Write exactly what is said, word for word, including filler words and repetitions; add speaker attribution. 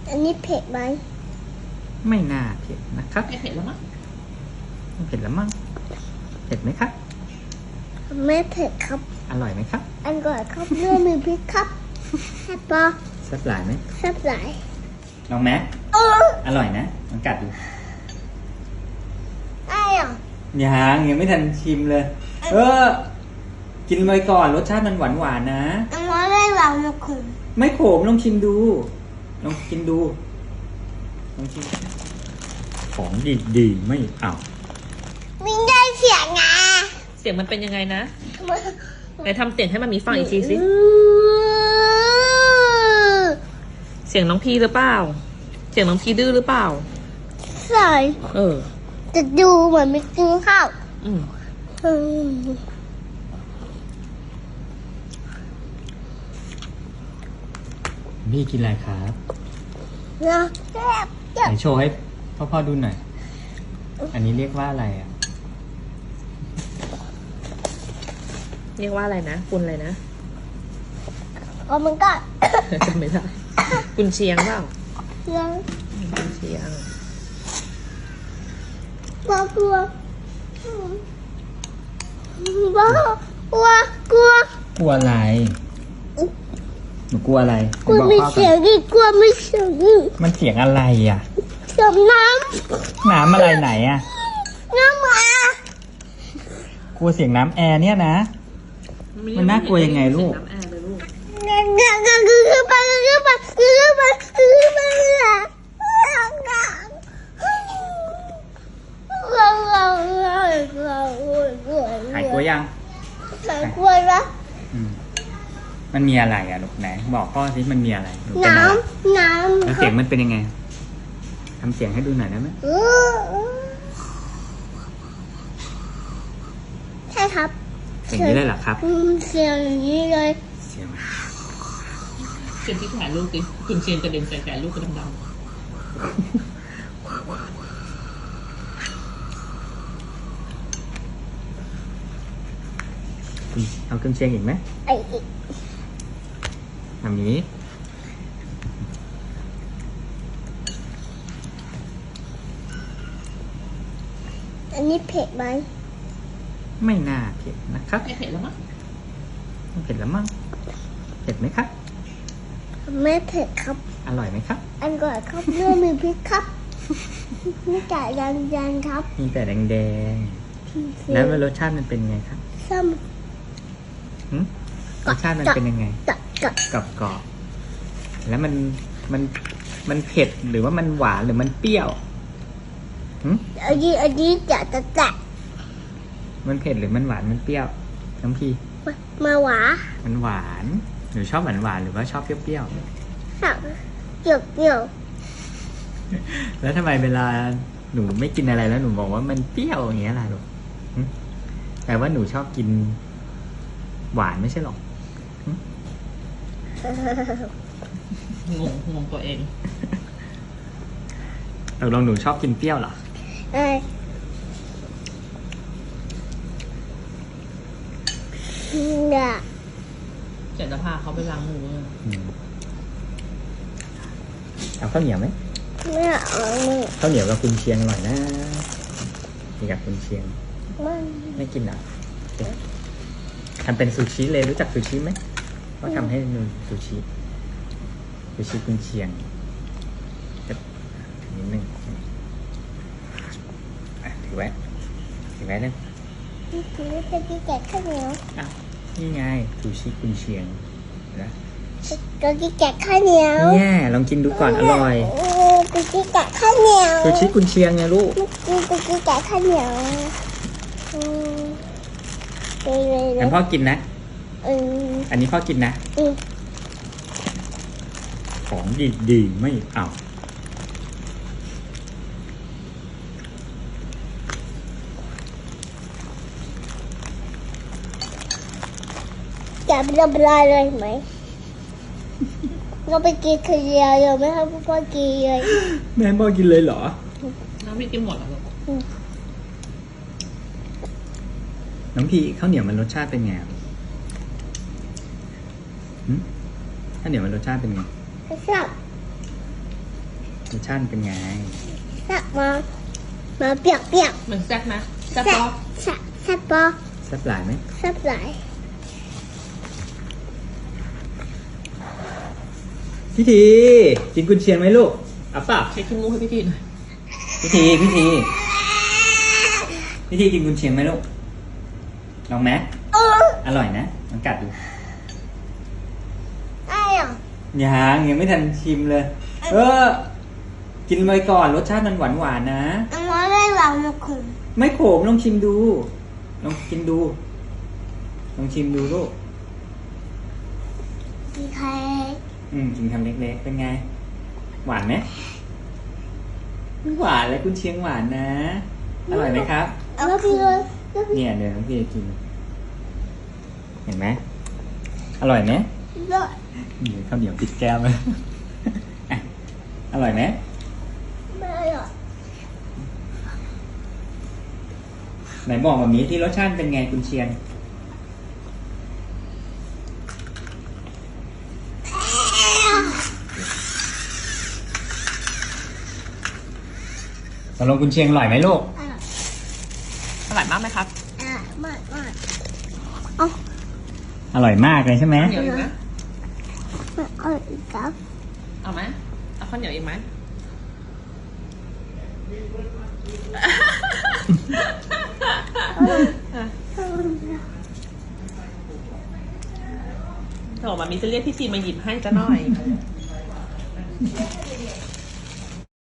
Speaker 1: อันนี้เผ็ดไหม
Speaker 2: ไม่น่าเผ็ดนะครับ
Speaker 3: ไม่เผ็ดแล้วมั้ง
Speaker 2: ไม่เผ็ดแล้วมั้งเผ็ดไหมครับ
Speaker 1: ไม่เผ็ดครับ
Speaker 2: อร่อยไหมครับ
Speaker 1: อร่อยครับเนื้อมีพริกครับแซ่บปะ
Speaker 2: แซ่บหลายไหม
Speaker 1: แซ่บหลาย
Speaker 2: ลองไหมอร่อยนะลองกัดดู
Speaker 1: ได้หรอ
Speaker 2: ยังยังไม่ทันชิมเลยเออกินไปก่อนรสชาติมันหวานหวานนะ
Speaker 1: อันนี้ไม่หวานไม่ขม
Speaker 2: ไม่ขมลองชิมดูลองกินดูลองชิมของดีๆไม่เอา
Speaker 1: ไม่ได้เสียงไง
Speaker 3: เสียงมันเป็นยังไงนะไหนทำเสียงให้มันมีฟังอีกทีสิเสียงน้องพีหรือเปล่าเสียงน้องพีดื้อหรือเปล่า
Speaker 1: ใช่
Speaker 3: เออ
Speaker 1: จะดูเหมือนไม่กินข้าว
Speaker 3: อืม
Speaker 2: พี่กินอะไรครับ
Speaker 1: นะแซ่บ
Speaker 2: ไหนโชว์ให้พ่อพ่อดูหน่อยอันนี้เรียกว่าอะไรอ่ะ
Speaker 3: เรียกว่าอะไรนะกุนอะไรนะ
Speaker 1: อ๋อมันก็
Speaker 3: จำไม่ได้กุนเชียงเปล่า
Speaker 1: เชียง
Speaker 3: กุนเชียง
Speaker 1: กลัวกลัวบ้ากลัวกลัว
Speaker 2: กลัวอะไรหนูกลัวอะไร
Speaker 1: กลัวไม่เสียงดิกลัวไม่เสียงดิ
Speaker 2: มันเสียงอะไรอ่ะ
Speaker 1: เสียงน้
Speaker 2: ำน้ำอะไรไหนอ่ะ
Speaker 1: น้ำม
Speaker 2: กลัวเสียงน้ำแอร์เนี่ยนะมันน่ากลัวยังไงลูก
Speaker 1: คือไปคือไปคือไปคือไป
Speaker 2: หายกลัวยัง
Speaker 1: หายกลัวแล้ว
Speaker 2: มันมีอะไรอ่ะลูกไหนบอกพ่อสิมันมีอะไร
Speaker 1: น้ำน้ำ
Speaker 2: แล้วเสียงมันเป็นยังไงทำเสียงให้ดูหน่อยได้ไหม
Speaker 1: ใช่ครับ
Speaker 2: เสียงนี้เลยเหรอครับ
Speaker 1: เสียงนี้เลย
Speaker 2: เสียง
Speaker 3: เสียงที่ถ่ายรูปดิคุณเชียนกระเด็นใส่แขนลูกกระดำ
Speaker 2: เอาเครื่องเชียงอีกไหม
Speaker 1: ไอ้อีก
Speaker 2: ทำนี้
Speaker 1: อันนี้เผ็ดไหม
Speaker 2: ไม่น่าเผ็ดนะครับ
Speaker 3: ไม่เผ็ดแล้วมั้ง
Speaker 2: ไม่เผ็ดแล้วมั้งเผ็ดไหมครับ
Speaker 1: ไม่เผ็ดครับ
Speaker 2: อร่อยไหมครับ
Speaker 1: อร่อยครับเนื้อมีพริกครับมีแต่แดงๆครับ
Speaker 2: มีแต่แดงๆแล้วรสชาติมันเป็นไงครับ
Speaker 1: ซ้ำ
Speaker 2: รสชาติมันเป็นยังไงกรอบกรอบแล้วมันมันมันเผ็ดหรือว่ามันหวานหรือมันเปรี้ยว
Speaker 1: อันนี้อันนี้จะจะแตะ
Speaker 2: มันเผ็ดหรือมันหวานมันเปรี้ยวน้องพี่
Speaker 1: มาหวาน
Speaker 2: มันหวานหนูชอบหวานหวานหรือว่าชอบเปรี้ยว
Speaker 1: ชอบเปรี้ยวเปรี้ยว
Speaker 2: แล้วทำไมเวลาหนูไม่กินอะไรแล้วหนูบอกว่ามันเปรี้ยวอย่างเงี้ยล่ะลูกแต่ว่าหนูชอบกินหวานไม่ใช่หรอก
Speaker 3: งงงงตัวเอง
Speaker 2: เราลองหนูชอบกินเปรี้ยวเหรอ
Speaker 1: เออเนี่ย
Speaker 3: เดี๋ยวจะพาเขาไปล้างมือ
Speaker 2: เอาข้าวเหนียวไหม
Speaker 1: ไม่เอา
Speaker 2: ข้าวเหนียวกับคุณเชียงอร่อยนะนี่กับคุณเชียงไม่กินอ่ะทำเป็นซูชิเลยรู้จักซูชิไหมก็ทำให้นูซูชิซูชิกุนเชียงนิดนึงถือไว้ถือไว้เลย
Speaker 1: ถือจะกินแกะข้าวเหนียว
Speaker 2: อ่ะนี่ไงซูชิกุนเชียงนะ
Speaker 1: ก็กินแกะข้าวเหนียว
Speaker 2: เนี่ยลองกินดูก่อนอร่อย
Speaker 1: ก็กินแกะข้าวเหนียว
Speaker 2: ซูชิกุนเชียงไงลูก
Speaker 1: ก็กินแกะข้าวเหนียว
Speaker 2: งั้นพ่อกินนะอันนี้พ่อกินนะของดีๆไม่เอา
Speaker 1: จะไปทำอะไรเลยไหมเราไปกินคนเดียวเลยไม่ให้พ่อกินเลย
Speaker 2: แม่พ่อกินเลยเหรอ
Speaker 3: น้องพี่กินหมดแล้ว
Speaker 2: น้องพี่ข้าวเหนียวมันรสชาติเป็นไงข้าวเหนียวมันรสชาติเป็นไง
Speaker 1: ชอบ
Speaker 2: รสชาติเป็นไง
Speaker 1: แซ่บมามาเปียกเปียก
Speaker 3: เหมือนแซ่บนะแซ่บ
Speaker 1: แซ่
Speaker 3: ปะ
Speaker 1: บแซ่บแซ่บปะ
Speaker 2: แซ่บหลายไหม
Speaker 1: แซ่บหลาย
Speaker 2: พี่ทีกินกุนเชียงไหมลูกเอาเปล่า
Speaker 3: เช็คขี้มูกให้พี่ทีหน่อย
Speaker 2: พี่ทีพี่ทีพี่ทีกินกุนเชียงไหมลูกลองไหม
Speaker 1: เออ
Speaker 2: อร่อยนะลองกัดดู
Speaker 1: ได้เหรอ
Speaker 2: ยังยังไม่ทันชิมเลย เออ กินไปก่อนรสชาติมันหวานหวานๆนะ
Speaker 1: อันนี้ได้หลังมาคุม
Speaker 2: ไม่ขมลองชิมดู ลองกินดู ลองชิมดูลูก
Speaker 1: ดีใคร
Speaker 2: อืมกินคำเล็กๆ เป็นไง หวานไหมไม่หวานเลยกุนเชียงหวานนะ อร่อยไหมครับ
Speaker 1: แล้วพี่เลยแล้วพี่
Speaker 2: เนี่ยเดี๋ยวน้องพี่จะกิน เห็นไหมอร่อยไหม
Speaker 1: เลย
Speaker 2: เดี๋ยวข้าวเหนียวติดแก้มเลย อ่ะอร่อยไหม
Speaker 1: ไม่อร่อย
Speaker 2: ไหนบอกแบบนี้ที่รสชาติเป็นไงกุนเชียง สำหรับกุนเชียงอร่อยไหมลูก
Speaker 1: อ่ะ
Speaker 3: อร่อยมากไหมครับ
Speaker 1: อ่ะมากมาก
Speaker 2: อร่อยมากเลยใช่ไหม
Speaker 3: เหนียวอีกไหม
Speaker 1: ไม่อร่อยอีกครับ
Speaker 3: เอาไหมเอาข้าวเหนียวอีกไหมโถมามีจะเรียกพี่ทีมาหยิบให้จะหน่อย